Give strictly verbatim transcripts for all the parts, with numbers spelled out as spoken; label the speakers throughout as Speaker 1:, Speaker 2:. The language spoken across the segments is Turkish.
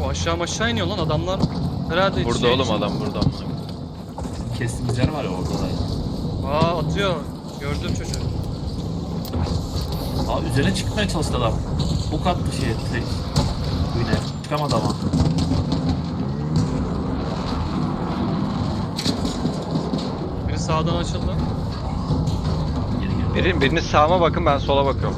Speaker 1: Aşağı aşağı iniyor lan adamlar. Herhalde
Speaker 2: Burada
Speaker 1: şey
Speaker 2: oğlum
Speaker 1: için-
Speaker 2: adam burada.
Speaker 3: Kestiğimiz yer var ya orada da.
Speaker 1: Aa atıyor. Gördüm çocuğu.
Speaker 3: Aa üzerine çıkmaya çalıştı adam. Bu kattı şey direkt. Yine çıkamadı ama.
Speaker 1: Biri sağdan açıldı.
Speaker 3: Geri geri.
Speaker 2: Birin, biriniz sağıma bakın, ben sola bakıyorum.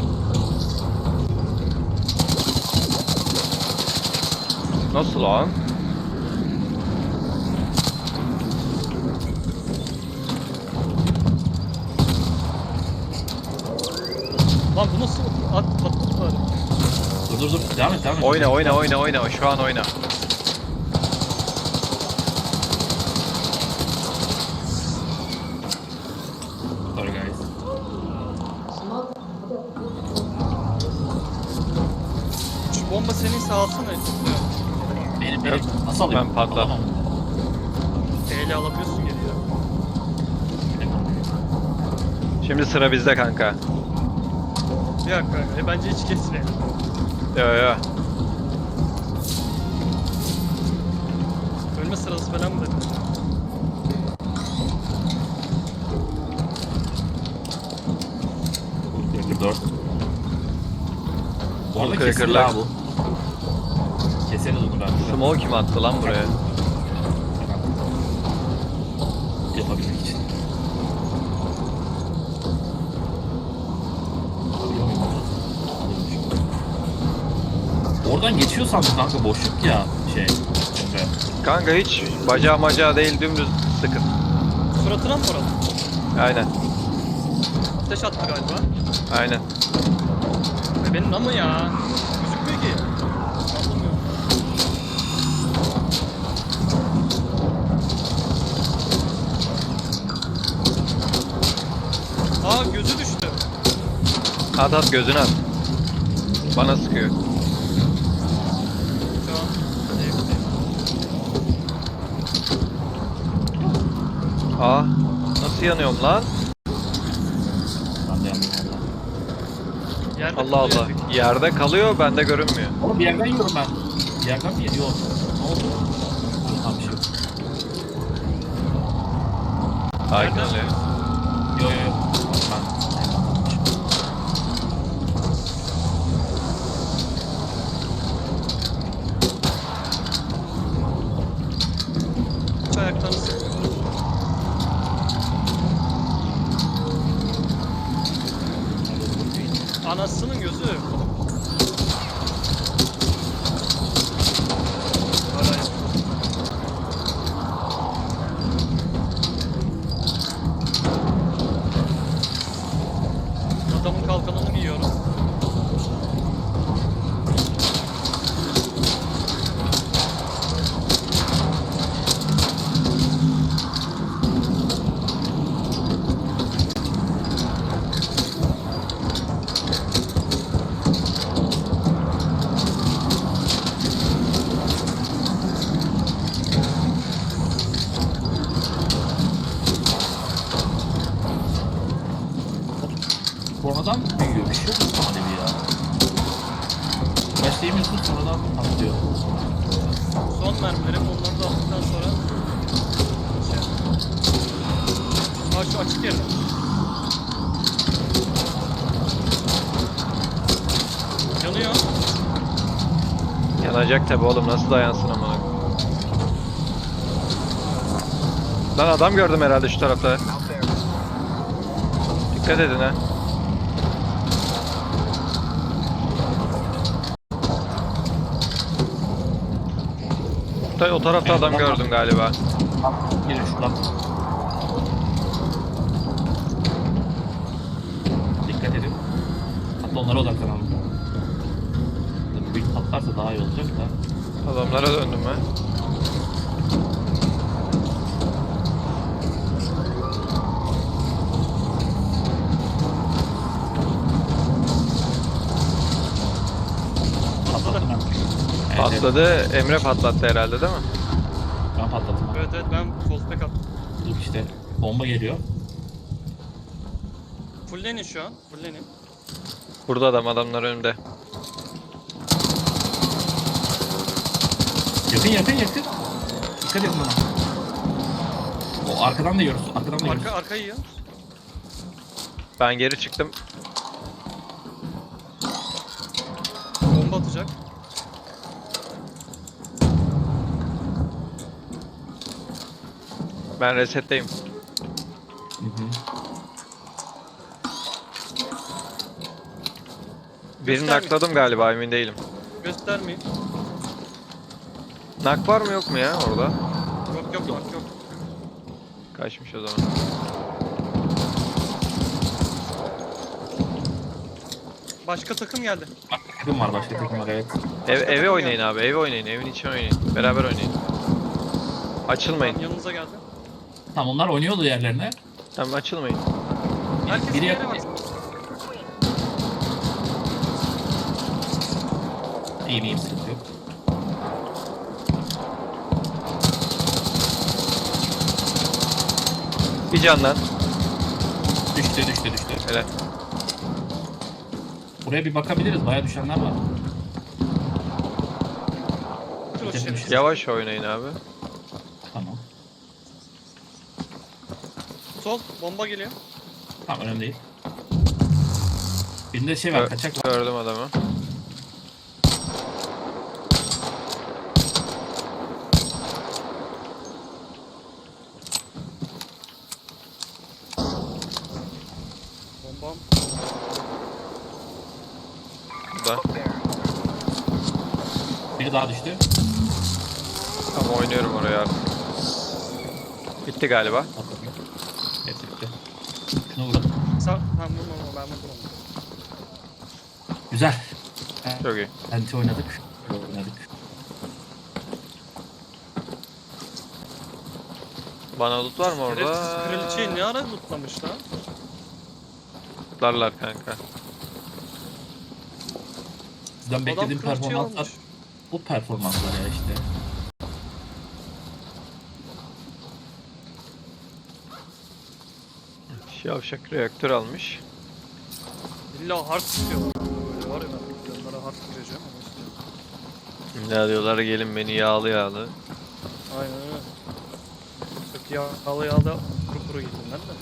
Speaker 2: Nasıl lan?
Speaker 1: Lan bu nasıl at patladılar?
Speaker 3: Dur dur dur devam et devam et.
Speaker 2: Oyna oyna oyna oyna, şu an oyna.
Speaker 3: Sorry guys.
Speaker 1: Şu bomba senin sağalsana.
Speaker 3: Benim benim. Nasıl alayım?
Speaker 2: Ben patladım.
Speaker 3: Alamam.
Speaker 1: Eyle alabiliyorsun geri ya.
Speaker 2: Şimdi sıra bizde kanka.
Speaker 1: Bir dakika. E, bence hiç kesmeyelim.
Speaker 2: Yo yo.
Speaker 1: Ölme sırası falan mı dedi?
Speaker 3: dört. Bu arada
Speaker 2: Kırık
Speaker 3: kesin
Speaker 2: kırık.
Speaker 3: ya bu. Keseriz onu ben.
Speaker 2: Smoke kim attı lan buraya?
Speaker 3: Yapabilmek için. Oradan geçiyor sandım kanka, boşluk ya şey. Emre.
Speaker 2: Kanka hiç bacağı macağı değil, dümdüz sıkın.
Speaker 1: Suratına mı vuralım?
Speaker 2: Aynen.
Speaker 1: Ateş attı galiba.
Speaker 2: Aynen.
Speaker 1: E benim ama ya. Gözükmüyor ki. Anlamıyorum. Aa gözü düştü.
Speaker 2: At at, gözünü at. Bana sıkıyor.
Speaker 1: Şu an evdeyim.
Speaker 2: Aa, nasıl yanıyorum lan?
Speaker 3: Ben de yandım valla.
Speaker 1: Yerde
Speaker 2: Allah
Speaker 1: kalıyor
Speaker 2: Allah.
Speaker 1: bir-
Speaker 2: Yerde kalıyor, bende görünmüyor.
Speaker 3: Oğlum bir yerden yiyorum ben. Bir yerden mi yedi? Yok. Ne oldu? Yok tam bir şey yok.
Speaker 2: Sakin
Speaker 1: Nereden?
Speaker 2: ol ya.
Speaker 3: Yok yok yok. Ben...
Speaker 1: Hiç ayaklarını sıkmıyor. Anasının gözü. Hala yok. Adamın kalkanını giyiyorum.
Speaker 3: Sonradan büyüyor. Bir şey yok mu sana dedi ya? Başlayamıyorsun sonradan atlıyor.
Speaker 1: Son mermilerim onları da aldıktan sonra şey. Aa şu açık yerde. Yanıyor.
Speaker 2: Yanacak tabi oğlum, nasıl dayansın amına. Lan adam gördüm herhalde şu tarafta. Dikkat edin ha. O tarafta adam gördüm galiba.
Speaker 3: Gelin şuradan. Dikkat edin. Hatta onlara odaklanalım. Büyük patlarsa daha iyi olacak da.
Speaker 2: Adamlara döndüm ben.
Speaker 3: Patlattım ben. Evet, evet.
Speaker 2: Patladı. Emre patlattı herhalde değil mi?
Speaker 3: Ben patlattım.
Speaker 1: Evet evet ben fallback attım.
Speaker 3: Dur işte bomba geliyor.
Speaker 1: Fullenin şu an. Fullenin.
Speaker 2: Burada adam, adamlar önümde.
Speaker 3: Yakın yakın yakın. Dikkat edin bana. O arkadan da yiyoruz. Arkadan da yiyoruz.
Speaker 1: Arka, arka yiyor.
Speaker 2: Ben geri çıktım.
Speaker 1: Bomba atacak.
Speaker 2: Ben resetteyim.
Speaker 3: Hı hı.
Speaker 2: Birini
Speaker 1: Göstermeyin.
Speaker 2: nakladım galiba, emin değilim.
Speaker 1: Göstermeyin.
Speaker 2: Nak var mı yok mu ya orada?
Speaker 1: Yok yok yok yok.
Speaker 2: Kaçmış o zaman.
Speaker 1: Başka takım geldi.
Speaker 3: Başka takım var, başka takım var, evet.
Speaker 2: Ev, eve
Speaker 1: takım
Speaker 2: oynayın abi, eve oynayın. Evin içine oynayın. Beraber oynayın. Açılmayın.
Speaker 1: Tamam, yanınıza geldi.
Speaker 3: Tamam, onlar oynuyordu yerlerine.
Speaker 2: Tamam, açılmayın.
Speaker 1: Herkes
Speaker 3: Biri
Speaker 1: bir yere
Speaker 3: yakın.
Speaker 1: baksın.
Speaker 3: İyiyim iyiyim, sıkıntı yok.
Speaker 2: Bir candan.
Speaker 3: Düştü düştü düştü.
Speaker 2: Hele.
Speaker 3: Buraya bir bakabiliriz, bayağı düşenler var.
Speaker 1: Dur o
Speaker 3: Bitirmiş.
Speaker 1: şerefsiz.
Speaker 2: Yavaş oynayın abi.
Speaker 3: Tamam.
Speaker 1: Sol bomba geliyor.
Speaker 3: Tamam, önemli değil. Birinde şey var,
Speaker 2: Gö-
Speaker 3: kaçak var.
Speaker 2: Gördüm adamı.
Speaker 1: Bombam.
Speaker 2: Burada.
Speaker 3: Biri daha düştü.
Speaker 2: Tamam, oynuyorum oraya artık. Bitti galiba.
Speaker 3: Atladım. Evet, bitti. Şunu vuralım.
Speaker 1: Sağ. Tamam vurma vurma ben vurdum onu.
Speaker 3: Güzel.
Speaker 2: Çok iyi.
Speaker 3: Anti oynadık. Oynadık.
Speaker 2: Bana loot var mı orada?
Speaker 1: Şerefsiz kraliçeyi ne ara lootlamış lan?
Speaker 2: Lootlarlar kanka.
Speaker 3: Sizden
Speaker 1: Adam
Speaker 3: beklediğim
Speaker 1: kraliçeyi
Speaker 3: performanslar
Speaker 1: almış.
Speaker 3: bu performanslar ya işte.
Speaker 2: Yavşak reaktör almış.
Speaker 1: İlla hard istiyorlar. Böyle var ya ben onlara hard gireceğim ama istiyorum.
Speaker 2: Ne diyorlar, gelin beni yağlı yağlı.
Speaker 1: Aynen öyle. Çok yağlı yağlı kuru kuru gittim ben de.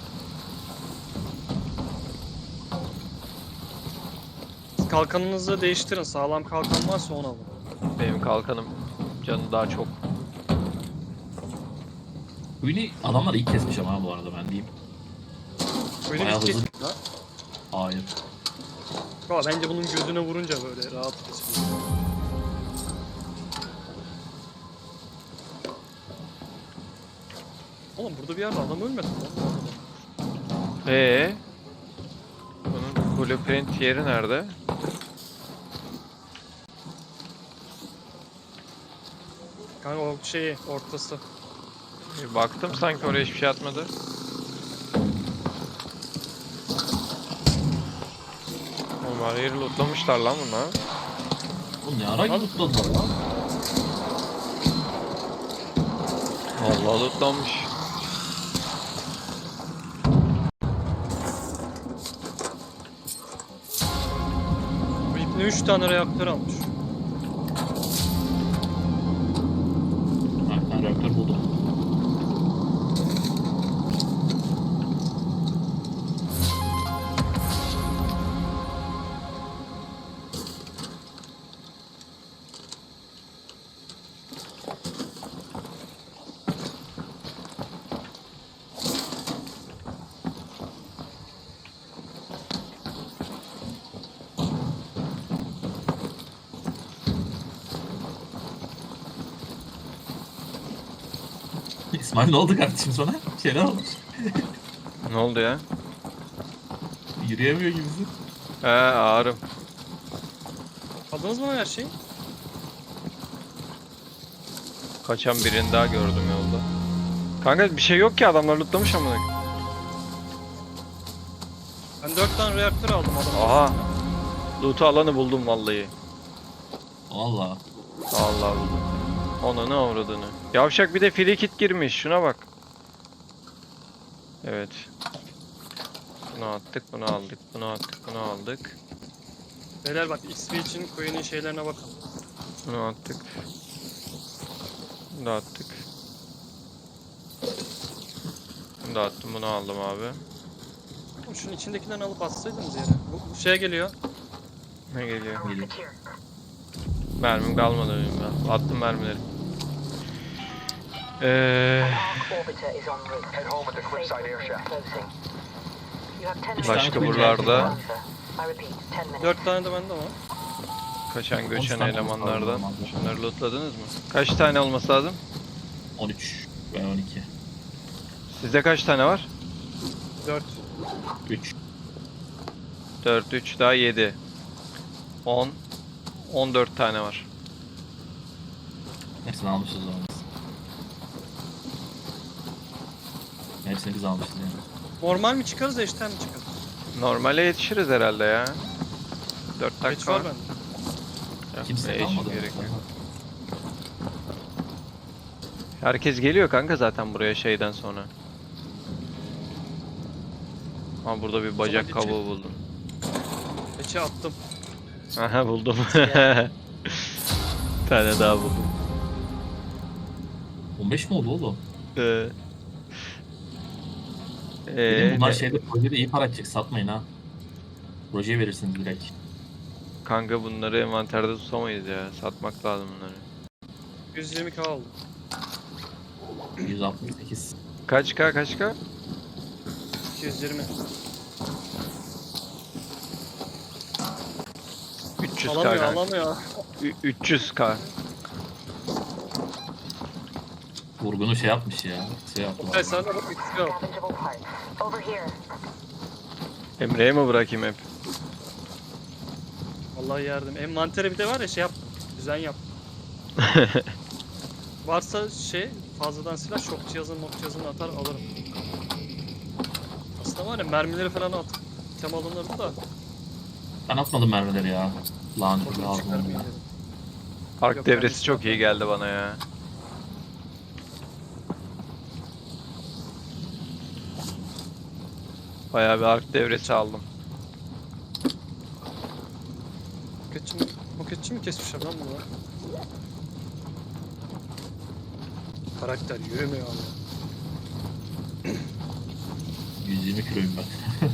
Speaker 1: Siz kalkanınızı değiştirin. Sağlam kalkan varsa onu alın.
Speaker 2: Benim kalkanım canı daha çok.
Speaker 3: Oyunu adamlar iyi kesmiş ama bu arada, ben diyeyim.
Speaker 1: Böyle
Speaker 3: Bayağı
Speaker 1: bir
Speaker 3: hızlı.
Speaker 1: kes- Ha?
Speaker 3: Hayır.
Speaker 1: Ama bence bunun gözüne vurunca böyle rahat kesiyor. Oğlum burada bir yerde adam ölmedi mi?
Speaker 2: Ee, bunun blueprint yeri nerede?
Speaker 1: Kanka o şeyi ortası.
Speaker 2: Bir baktım, sanki oraya hiçbir şey atmadı. Onlar yeri lootlamışlar lan bunlar.
Speaker 3: Bu ne ara yutladılar lan?
Speaker 2: Vallahi lootlanmış.
Speaker 1: Bu ipne üç tane reaktör almış.
Speaker 3: Ha, ben reaktör buldum. İsmail ne oldu kardeşim sana? Bir şeyler olmuş.
Speaker 2: Ne oldu ya?
Speaker 3: Yürüyemiyor gibisin.
Speaker 2: He, ağrım.
Speaker 1: Aldınız mı her şeyi?
Speaker 2: Kaçan birini daha gördüm yolda. Kanka bir şey yok ki, adamlar lootlamış amına.
Speaker 1: Ben dört tane reaktör aldım adamın.
Speaker 2: Aha. Loot'u alanı buldum vallahi.
Speaker 3: Valla.
Speaker 2: Allah buldum. Ona ne avradını. Yavşak bir de free kit girmiş. Şuna bak. Evet. Bunu attık, bunu aldık, bunu attık, bunu aldık.
Speaker 1: Beyler bak X P için coin'in şeylerine bakın.
Speaker 2: Bunu attık. Bunu da attık. Bunu da attım, bunu aldım abi.
Speaker 1: Oğlum şunun içindekilerini alıp atsaydınız yere. Bu, bu şeye geliyor.
Speaker 2: Ne geliyor?
Speaker 3: Geliyor.
Speaker 2: Mermim kalmadı benim ben. Attım mermileri. Eee Başka buralarda
Speaker 1: Dört tane de bende var.
Speaker 2: kaçan göçen
Speaker 3: On tane
Speaker 2: elemanlardan.
Speaker 3: var.
Speaker 2: Şunları lootladınız mı? Kaç tane olması lazım?
Speaker 3: on üç ve on iki.
Speaker 2: Sizde kaç tane var?
Speaker 1: Dört.
Speaker 3: üç.
Speaker 2: dört, üç daha yedi. on. on dört tane var.
Speaker 3: Hepsini almışız o zaman. Hepsini biz almışız yani.
Speaker 1: Normal mi çıkarız, eşten mi çıkarız?
Speaker 2: Normale yetişiriz herhalde ya. dört
Speaker 1: Geç
Speaker 2: dakika
Speaker 1: var
Speaker 2: var.
Speaker 1: bende.
Speaker 2: Yok,
Speaker 3: Kimse
Speaker 2: eşit
Speaker 3: kalmadı.
Speaker 2: gerek yok. Herkes geliyor kanka zaten buraya şeyden sonra. Ha burada bir bacak
Speaker 1: Sonra geçelim.
Speaker 2: kabuğu buldum.
Speaker 1: Eçe attım.
Speaker 2: Aha buldum. Bir tane daha buldum.
Speaker 3: on beş mi oldu oğlum?
Speaker 2: Ee,
Speaker 3: Dedim
Speaker 2: ee,
Speaker 3: bunlar
Speaker 2: ne-
Speaker 3: şeyde projede iyi para edecek, satmayın ha. Projeye verirsiniz direkt.
Speaker 2: kanka bunları envanterde tutamayız ya. Satmak lazım bunları.
Speaker 1: yüz yirmi k aldım.
Speaker 3: yüz altmış sekiz.
Speaker 2: Kaç k kaç k?
Speaker 1: iki yüz yirmi.
Speaker 2: üç yüz k
Speaker 1: Alamıyor
Speaker 2: kanka.
Speaker 1: alamıyor.
Speaker 2: Ü- üç yüz k.
Speaker 3: Vurgunu şey yapmış ya. Şey yaptı.
Speaker 1: Okay, sen de bak iki al.
Speaker 2: Emre'ye mi bırakayım hep?
Speaker 1: Vallahi yardım. Envantere bir de var ya şey yap. Düzen yap. Varsa şey fazladan silah şok cihazını mok cihazını atar alırım. Aslında var ya mermileri falan at. Tem alınırdı da.
Speaker 3: Ben atmadım mermileri ya. Lanet
Speaker 1: Çok
Speaker 3: lazım
Speaker 1: çıkarmayayım
Speaker 3: ya.
Speaker 1: dedim.
Speaker 2: Ark
Speaker 1: Yok,
Speaker 2: devresi
Speaker 1: ben
Speaker 2: çok iyi
Speaker 1: de
Speaker 2: geldi bana ya. Bayağı bir ark devresi aldım.
Speaker 1: Moketçi mi? Moketçi mi kesmişler lan bunu? Karakter yürümüyor abi.
Speaker 3: yüz yirmi kiloyum ben.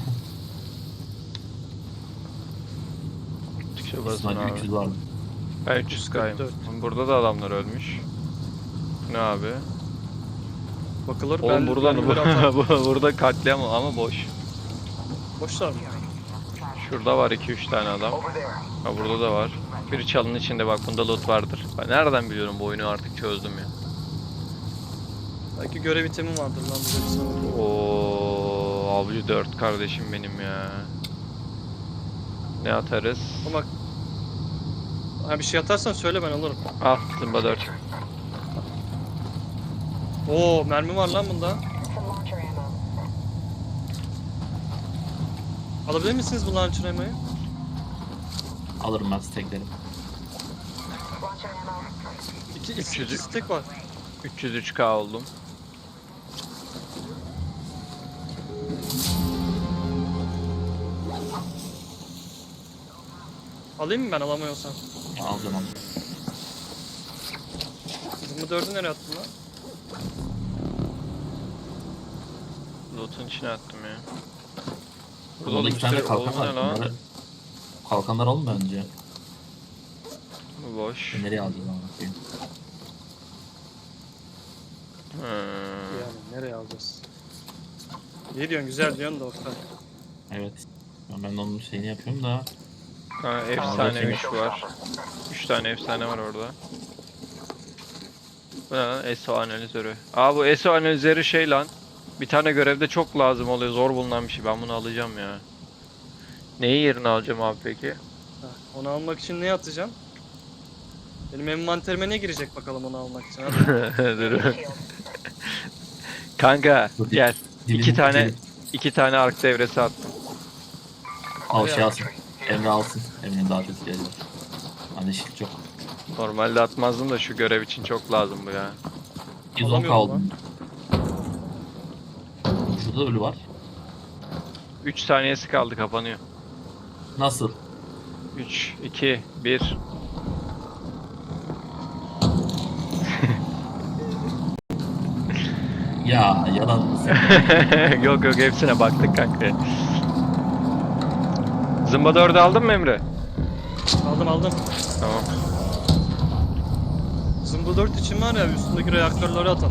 Speaker 2: Çıkışa basın
Speaker 3: İsmail
Speaker 2: abi.
Speaker 3: üç yüz vardı.
Speaker 2: Ben üç yüz kayım.
Speaker 1: yüz kırk dört.
Speaker 2: Burada da adamlar ölmüş. Ne abi?
Speaker 1: Bakılır
Speaker 2: Oğlum
Speaker 1: ben
Speaker 2: burada
Speaker 1: mermileri atar.
Speaker 2: bu- burada katliam ama boş.
Speaker 1: Boşlar mı?
Speaker 2: Şurada var iki üç tane adam. Ha burada da var. Biri çalının içinde bak bunda loot vardır. Ben nereden biliyorum bu oyunu artık çözdüm ya.
Speaker 1: Belki görev itemi vardır lan burada bir sanırım.
Speaker 2: Oo avcı dört kardeşim benim ya. Ne atarız?
Speaker 1: Ama ha, bir şey atarsan söyle ben alırım.
Speaker 2: Al Zimba dört.
Speaker 1: Oo mermi var lan bunda. Alabilir misiniz bu launcher ammo'yu?
Speaker 3: Alırım ben steklerim.
Speaker 1: İki,
Speaker 2: üç yüz.
Speaker 1: iki stack var.
Speaker 2: üç yüz üç k oldum.
Speaker 1: Alayım mı ben alamıyorsam?
Speaker 3: Alacağım alacağım.
Speaker 1: Zımı dördü nereye attın lan?
Speaker 2: Loot'un içine attım ya. Burada
Speaker 3: Burada
Speaker 2: oğlum
Speaker 3: iki
Speaker 2: bir
Speaker 3: tane
Speaker 2: sürü
Speaker 3: kalkan
Speaker 2: oğlum
Speaker 3: var.
Speaker 2: ne lan?
Speaker 3: Bunları... Kalkanlar alın bence.
Speaker 2: Bu boş.
Speaker 3: Nereye alacağız ama bakayım.
Speaker 2: Hmm.
Speaker 1: Yani nereye alacağız? İyi diyorsun güzel diyorsun da Oktay.
Speaker 3: Evet. Ben, ben de onun şeyini yapıyorum da.
Speaker 2: Ha, efsane üç var. üç tane efsane var orada. Bu ne lan? S O analizörü. Aa bu S O analizörü şey lan. Bir tane görevde çok lazım oluyor. Zor bulunan bir şey. Ben bunu alacağım ya. Neyi yerine alacağım abi peki?
Speaker 1: Ha, onu almak için ne atacağım? Benim envanterime ne girecek bakalım onu almak için? Hadi.
Speaker 2: Dur. Kanka gel. İki
Speaker 3: Dilini-
Speaker 2: tane
Speaker 3: dilini-
Speaker 2: iki tane ark devresi attım.
Speaker 3: Al şey alsın. Emre alsın. Emre'nin daha çok ihtiyacı var. Hani shield çok.
Speaker 2: Normalde atmazdım da şu görev için çok lazım bu ya.
Speaker 3: yüz on
Speaker 1: Alamıyorum
Speaker 3: kaldı. Şurada ölü var.
Speaker 2: üç saniyesi kaldı kapanıyor.
Speaker 3: Nasıl?
Speaker 2: üç, iki, bir.
Speaker 3: Ya yalan mı sen?
Speaker 2: Yok yok hepsine baktık kanka. Zımba dördü aldın mı Emre?
Speaker 1: Aldım aldım.
Speaker 2: Tamam.
Speaker 1: Zımbıl dört için var ya üstündeki reaktörleri atan.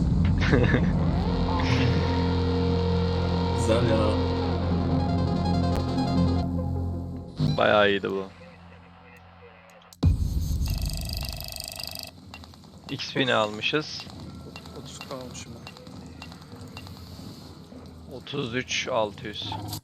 Speaker 3: Güzel ya.
Speaker 2: Bayağı iyiydi bu. X P ne almışız?
Speaker 1: otuz kalmışım ben.
Speaker 2: otuz üç altı yüz.